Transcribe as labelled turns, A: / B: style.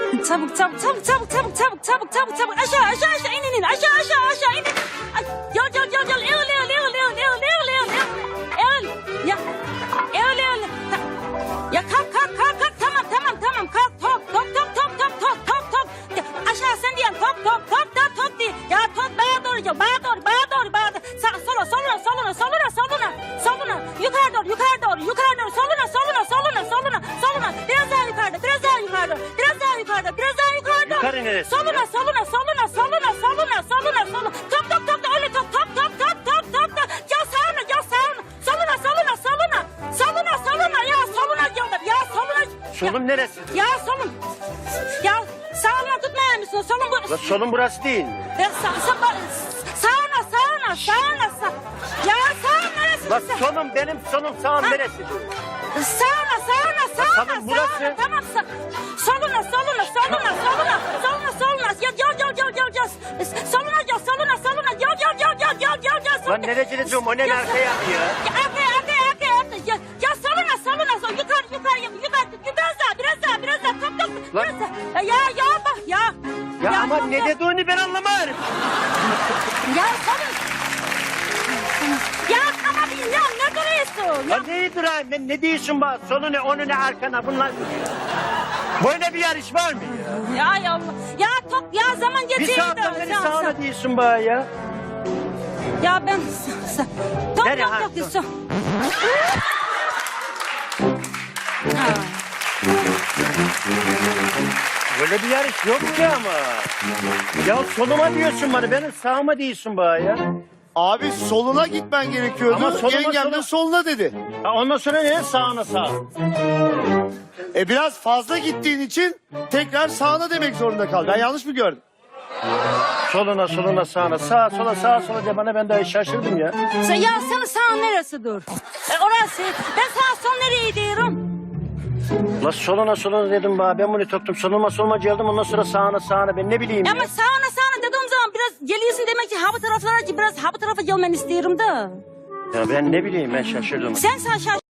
A: Çabuk çabuk çabuk çabuk çabuk çabuk çabuk çabuk çabuk aşağı aşağı aşağı in aşağı in. Ay, yol ya ya kalk tamam kalk top ya, aşağı sen diyen top diye ya top bana doğru soluna yukarı doğru soluna biraz daha yukarıda
B: Yukarı neresi?
A: soluna top öyle top ya sağına ya soluna diyorlar ya soluna
B: Solum neresi?
A: ya solun ya sağına tutmayar mısın solun bu
B: La solum burası değil mi?
A: ya sağına ya sağın neresi?
B: La solum benim solum sağım neresi?
A: Sağına
B: Tamam, burası.
A: tamam soluna ya soluna
B: Lan nereye diyorum o ne arkaya ya?
A: Ya soluna yukarı biraz daha top
B: Lan.
A: biraz daha ya bak ya
B: Ya ama
A: top,
B: ne dediğini ben anlamadım.
A: ya solun ya tamam ya ne duruyorsun
B: Ya neyi durayım ben ne diyorsun bana? Solu ne onu ne arkana bunlar. Böyle bir yarış var mı ya?
A: ya top ya zaman
B: Bir
A: geçiyor
B: saatten beri sağına diyorsun bana ya.
A: ya ben top
B: Nereye
A: yok
B: ha?
A: diyorsun.
B: Böyle bir yarış yok ki ama. Ya soluma diyorsun bana benim sağıma diyorsun bana ya.
C: Abi soluna gitmen gerekiyordu.
B: Ama soluma,
C: Yengem de
B: soluna.
C: soluna dedi.
B: Ha, ondan sonra ne sağına sağ.
C: Biraz fazla gittiğin için tekrar sağına demek zorunda kal. Ben yanlış mı gördüm?
B: Soluna sağına sağa sola de bana ben daha şaşırdım ya.
A: Ya senin sağın neresi dur? Orası. Ben sağ son nereye diyorum?
B: La soluna dedim bana ben bunu toktum soluma geldim ondan sonra sağına ben ne bileyim ya.
A: Ama sağına dediğim zaman biraz geliyorsun demek ki ha bu taraflara ki biraz ha bu tarafa gelmeni istiyorum da.
B: Ya ben ne bileyim ben şaşırdım.
A: Sen şaş